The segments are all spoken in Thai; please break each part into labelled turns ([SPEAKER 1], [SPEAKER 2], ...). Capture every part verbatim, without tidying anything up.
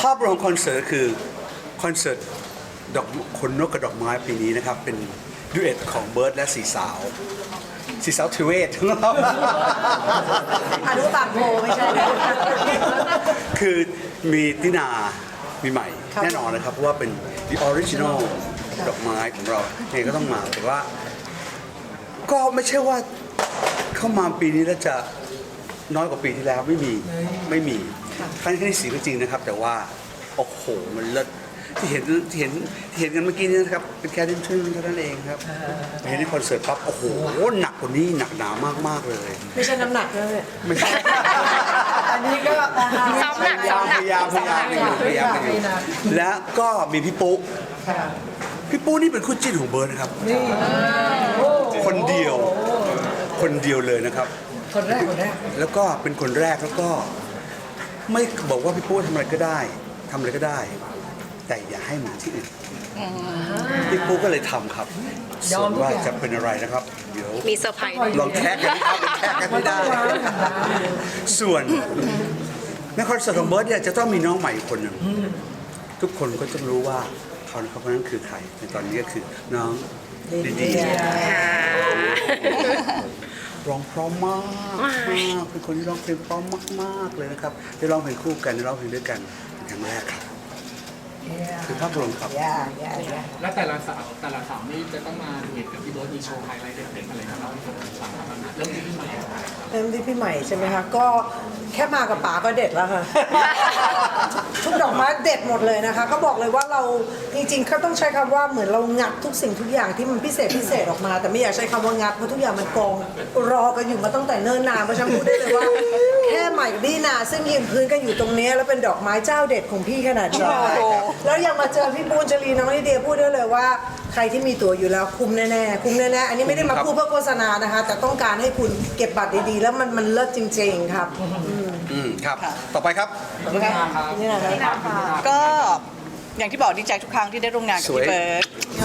[SPEAKER 1] ภาพรวมคอนเสิร์ตคือคอนเสิร์ตดอกคนนกกับดอกไม้ปีนี้นะครับเป็นดูเอทของเบิร์ดและสีสาวสีสาวทิเวศของเรา
[SPEAKER 2] อนุปากโพไม่ใช่
[SPEAKER 1] คือมีตินามีใหม่แน่นอนนะครับเพราะว่าเป็น the original ดอกไม้ของเราเนี่ยก็ต้องมาแต่ว่า ก็ไม่ใช่ว่าเข้ามาปีนี้แล้วจะน้อยกว่าปีที่แล้วไม่มีไม่มีครั้งที่สี่ก็จริงนะครับ แต่ว่าโอ้โหมันเลิศที่เห็นที่เห็นที่เห็นกันเมื่อกี้นี่นะครับเป็นแค่ดิ้นชื่นเท่านั้นเองครับเห็นในคอนเสิร์ตปั๊บโอ้โหหนักกว่านี้หนักหนามากๆเลย
[SPEAKER 2] ไม่ใช่น้ำหนักเลย
[SPEAKER 1] ไม่ใช่
[SPEAKER 2] อันนี้ก็
[SPEAKER 3] ซ้อมหนัก
[SPEAKER 1] พยายามพยายามพยายามกันอยู่พยายามกันอยู่และก็มีพี่ปุ๊พี่ปุ๊นี่เป็นคู่จิ้นของเบิร์ดนะครับคนเดียวคนเดียวเลยนะครับ
[SPEAKER 2] คนแรกคนแรก
[SPEAKER 1] แล้วก็เป็นคนแรกแล้วก็ไม่บอกว่าพี่ปุ๊ทำอะไรก็ได้ทำอะไรก็ได้ แต่อย่าให้เหมือนที่อื่นพี่ปุ๊ก็เลยทำครับส่วนว่าจะเป็นอะไรนะครับเดี๋ยว
[SPEAKER 3] มีเซอร์ไพรส์
[SPEAKER 1] ลองแท็กกันนะครับแท็กกันไม่ได้ ส่วนในคอนเสิร์ตของเบิร์ดเนี่ยจะต้องมีน้องใหม่อีกคนหนึ่งทุกคนก็จะรู้ว่าเขาเขาคนนั้นคือใครในตอนนี้ก็คือน้องดีดีร้องเพราะมากมากเป็นคนที่ร้องเพลงเพราะมากๆเลยนะครับได้ร้องเพลงคู่กันได้ร้องเพลงด้วยกันเป็นครั้งแรกครับคือภาพรวมครับ
[SPEAKER 2] ย่าย่าย่า
[SPEAKER 4] และแต่ละสาวแต่ละสาวนี่จะต้องมาดูเห็นกับพี่โบ๊ทมีโชว์ไฮไลท์เด็ดๆอะไรกันเล่าให้ฟังบ้างครับเริ่มที่พี่ใหม่
[SPEAKER 2] เริ่มที่พี่ใหม่ใช่ไหมคะก็แค่มากับป๋าก็เด็ดแล้วค่ะ ทุกดอกไม้เด็ดหมดเลยนะคะก็บอกเลยว่าเราจริงๆเขาต้องใช้คำว่าเหมือนเรางัดทุกสิ่งทุกอย่างที่มันพิเศษพิเศษออกมา แต่ไม่อยากใช้คำว่างัดเพราะทุกอย่างมันกองรอกันอยู่มาตั้งแต่เนิ่นนานเพราะฉันพูดได้เลยว่า แค่ใหม่กับดีนาซึ่งยืนพื้นกันอยู่ตรงนี้แล้วเป็นดอกไม้เจ้าเด็ดของพี่ขนาดนี้แล้วยังมาเจอพี่ปูนจรีน้องลิเดียพูดได้เลยว่าใครที่มีตั๋วอยู่แล้วคุ้มแน่ๆคุ้มแน่ๆอันนี้ไม่ได้มาพูดเพื่อโฆษณานะคะ แต่ต้องการให้คุณเก็บบัตรดีๆแล้วมันมันเลิศจริงๆครับ
[SPEAKER 1] อืมครับ ต่อไปครับ
[SPEAKER 2] นี่นะคะ
[SPEAKER 5] ก็อย่างที่บอกดีใจทุกครั้งที่ได้ร่วมงานกับ
[SPEAKER 1] สวย
[SPEAKER 5] พี่เบิร์ด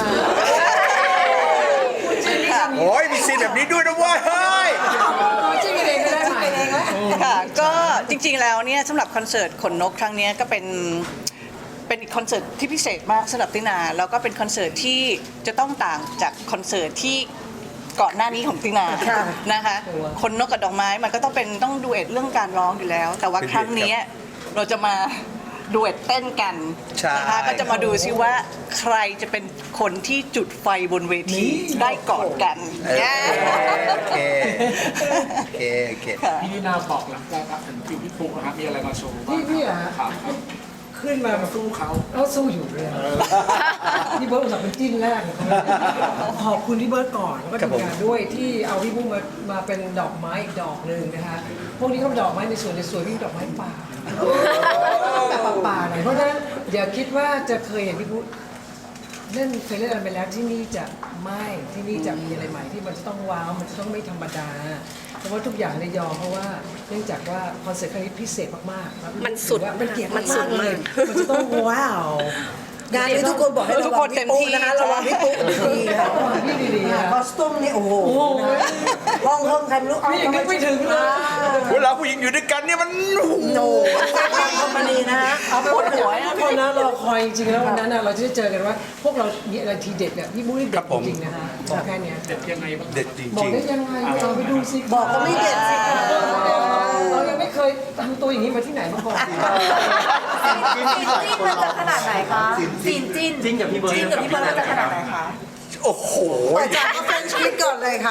[SPEAKER 5] ค่ะ
[SPEAKER 1] โอ้ยมีซีนแบบนี้ด้วยนะเว้ยเฮ้ย
[SPEAKER 2] ชื่อกันเองก็ได้ชื่อกันเองไหม
[SPEAKER 5] ค่ะก็จริงๆแล้วเนี่ยสำหรับคอนเสิร์ตขนนกครั้งเนี้ยก็เป็นเป็นอีกคอนเสิร์ตที่พิเศษมากสำหรับตินาแล้วก็เป็นคอนเสิร์ตที่จะต้องต่างจากคอนเสิร์ตที่ก่อนหน้านี้ของตินานะคะคนนกกับดอกไม้มันก็ต้องเป็นต้องดูเอ็ดเรื่องการร้องอยู่แล้ว แต่ว่าครั้งนี้เราจะมาดูเอ็ดเต้นกัน
[SPEAKER 1] ใช่
[SPEAKER 5] นะคะก็จะมาดูซิว่าใครจะเป็นคนที่จุดไฟบนเวทีได้ก่อนกัน
[SPEAKER 1] โอเคโอเคโอเค
[SPEAKER 4] พี่นินาบอกหลังจากครับถึงคิวพี่ฟุกนะครับมีอะไรมาโชว์บ้าง
[SPEAKER 6] พี่พี่อะฮะ
[SPEAKER 4] ครับ
[SPEAKER 6] ขึ้นมาแบบ
[SPEAKER 4] สู้เขา
[SPEAKER 6] เอาสู้อยู่เลยอะพี่เบิร์ดอุตส่าห์เป็นจิ้นแรกของเขาขอบคุณพี่เบิร์ดก่อนแล้วก็
[SPEAKER 1] ครับผม
[SPEAKER 6] ทีมงานด้วยที่เอาพี่บุ้งมามาเป็นดอกไม้อีกดอกหนึ่งนะคะพวกนี้เขาเป็นดอกไม้ในสวนในสวนพี่ดอกไม้ป่าแต่ป่าๆหน่อยเพราะฉะนั้นอย่าคิดว่าจะเคยเห็นพี่บุ้งเล่นเคยเล่นอะไรไปแล้วที่นี่จะไม่ที่นี่จะมีอะไรใหม่ที่มันจะต้องว้าวมันจะต้องไม่ธรรมดาเพราะว่าทุกอย่างในยอมเพราะว่าเนื่องจากว่าคอนเสิร์ตครั้งนี้พิเศษมากๆครับ
[SPEAKER 3] มันสุด
[SPEAKER 6] ว่ามันเกียรติ
[SPEAKER 3] มันสุ
[SPEAKER 6] มา
[SPEAKER 3] ด
[SPEAKER 6] กๆเลย
[SPEAKER 3] มาก
[SPEAKER 6] มันจะต้องว้าว
[SPEAKER 2] งานนี้ทุกคนบอกให้ระวังพี่ปุ๊นะคะระวังพี่ปุ๊ดีๆค่ะ
[SPEAKER 6] พี่ดีๆอะ
[SPEAKER 2] คอสตูมนี่โอ้โหห้องห้องใครไม่รู้เอา
[SPEAKER 6] พี่ยังนึกไม่ถึงเลย
[SPEAKER 1] เวลาผู้หญิงอยู่ด้วยกันเนี่ยมัน
[SPEAKER 2] โอ้ทางคอมพานีนะฮะ
[SPEAKER 6] เอาไปวันหัวทุกคนนะรอคอยจริงๆแล้ววันนั้นน่ะเราจะได้เจอกันว่า พวกเรามีอะไรทีเด็ดเนี่ยพี่บุ้ยเด็ดจริงๆนะคะบอกแค่เนี้ย
[SPEAKER 4] เด็ดยังไงบ้าง
[SPEAKER 1] เด็ดจ
[SPEAKER 6] บอก
[SPEAKER 1] ริง
[SPEAKER 6] ได้ยังไงเราไปดูสิ
[SPEAKER 2] บอกก็ไม่เด็ดสิคะ
[SPEAKER 6] เรายังไม่เคยทำตัวอย่างนี้มาที่ไหนมาก่อน
[SPEAKER 7] ซีนจิ้นมันจะขนาดไหนคะซีนจิ้น
[SPEAKER 4] จิ้นกับพี่เบิร์ด
[SPEAKER 7] จิ้นกับพี่เบิร์ดมันจะขนาดไหนคะ
[SPEAKER 1] ๆ โอ้โห
[SPEAKER 2] อาจารย์ก็เฟรนช์คิดก่อนเลยค่ะ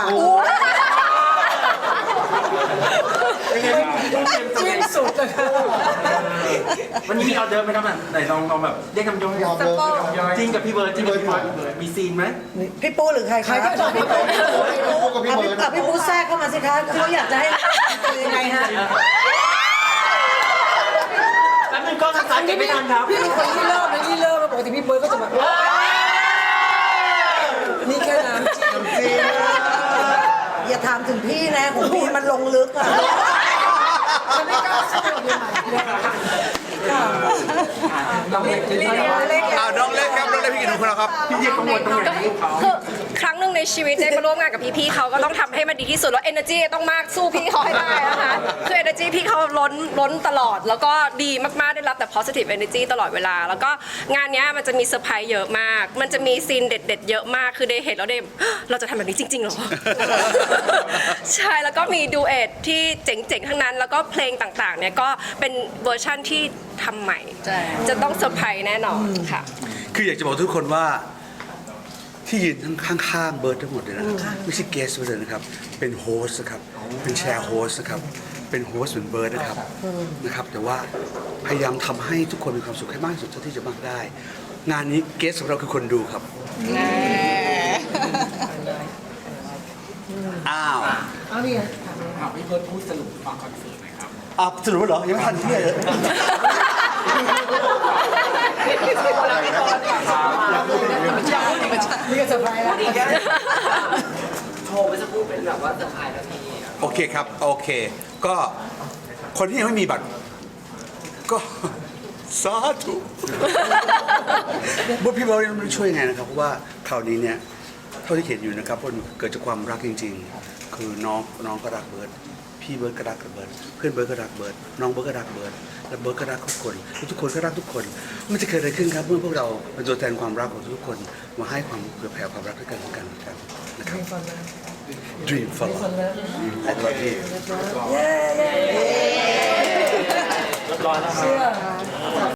[SPEAKER 6] จิ้นสุดเลยค่ะ
[SPEAKER 8] วันนี้มีออเดอร์ไหมครับอ่ะไหนลองลองแบบเรียกคำย่อยจริงกับพี่เบิร์ดจริงกับพี่เบิร์ดมีซีนไหม
[SPEAKER 2] พี่ปูหรือใคร
[SPEAKER 6] ใคร
[SPEAKER 2] คะ
[SPEAKER 6] ก็ตอบพี่ปุ๊
[SPEAKER 2] อ่ะพี่อ่ะพี่ปูแทรกเข้ามาสิคะเขาอยากจะให้เป็นยังไงฮะ
[SPEAKER 8] แป๊บนึงก็ทักทายกันไม่ทันครับ
[SPEAKER 6] พี่เป็นคนที่เริ่มนะที่เริ่มแล้วปกติพี่เบิร์ดก็จะแบบนี่แค่น้ำจิ้ม
[SPEAKER 2] อย่าถามถึงพี่นะของพี่มันลงลึกอ่ะ
[SPEAKER 6] มันไม่กล้าสู้เลย
[SPEAKER 8] เราเรียก
[SPEAKER 2] เล็ก
[SPEAKER 1] อ้าวน้องเล็กครับน้องเล็กพี่กินของเราครับ
[SPEAKER 8] พี่เรียกกังวลตรงไหน
[SPEAKER 3] คือครั้งหนึ่งในชีวิตได้มาร่วมงานกับพี่ๆเขาก็ต้องทำให้มันดีที่สุดแล้ว energy ต้องมากสู้พี่เขาให้ได้นะคะคือ energy พี่เขาล้นล้นตลอด แล้วก็ดีมากๆได้รับแต่ positive energy ตลอดเวลา แล้วก็งานเนี้ยมันจะมีเซอร์ไพรส์เยอะมาก มันจะมีซีนเด็ดๆเยอะมากคือได้เห็นแล้วได้ เราจะทำแบบนี้จริงๆเหรอ ใช่แล้วก็มีดูเอทที่เจ๋งๆทั้งนั้น แล้วก็เพลงต่างๆเนี่ยก็เป็นเวอร์ชั่นที่ทำใหม่
[SPEAKER 5] ใช่
[SPEAKER 3] จะต้องเซอร์ไพรส์แน่นอนค่ะ
[SPEAKER 1] คืออยากจะบอกทุกคนว่าที่ยืนทั้งข้างๆเบิร์ดทั้งหมดเลยนะครับไม่ใช่เกสเลยนะครับเป็นโฮสต์นะครับเป็นแชร์โฮสต์นะครับเป็นโฮสต์เหมือนเบิร์ดนะครับนะครับแต่ว่าพยายามทำให้ทุกคนมีความสุขให้มากที่สุดเท่าที่จะมากได้ งานนี้เกสของเราคือคนดูครับอ้าว
[SPEAKER 6] เอานี่ไง
[SPEAKER 4] ถามพี่เบิร์ดพูดสรุปฟังคอนเสิร์ตหน่อยครับ
[SPEAKER 1] อ่ะสรุปแล้วเหรอยังไม่ทันที่เลย
[SPEAKER 6] นี่ก็เซอร์ไพรส์แล้ว
[SPEAKER 9] โชว์ไม่จะพูดเป็นแบบว่าเซอร์ไพรส์แล้วพี่
[SPEAKER 1] โอเคครับโอเค ก็คนที่ยังไม่มีบัตรก็สาธุบุญพี่เบิร์ดไม่รู้ช่วยยังไงนะครับเพราะว่าคราวนี้เนี่ยเท่าที่เห็นอยู่นะครับมันเกิดจากความรักจริง ๆ คือน้องน้องก็รักเบิร์ดพี่เบิร์ดก็รักกับเบิร์ดเพื่อนเบิร์ดก็รักเบิร์ดน้องเบิร์ดก็รักเบิร์ดและเบิร์ดก็รักทุกคนทุกคนก็รักทุกคนมันจะเกิดอะไรขึ้นครับเมื่อพวกเราเป็นตัวแทนความรักของทุกคนมาให้ความเผื่อแผ่ความรักด้วยกันและกันครับนะครับ Dream for love I love you
[SPEAKER 6] เย้เย้เย้เชื่อ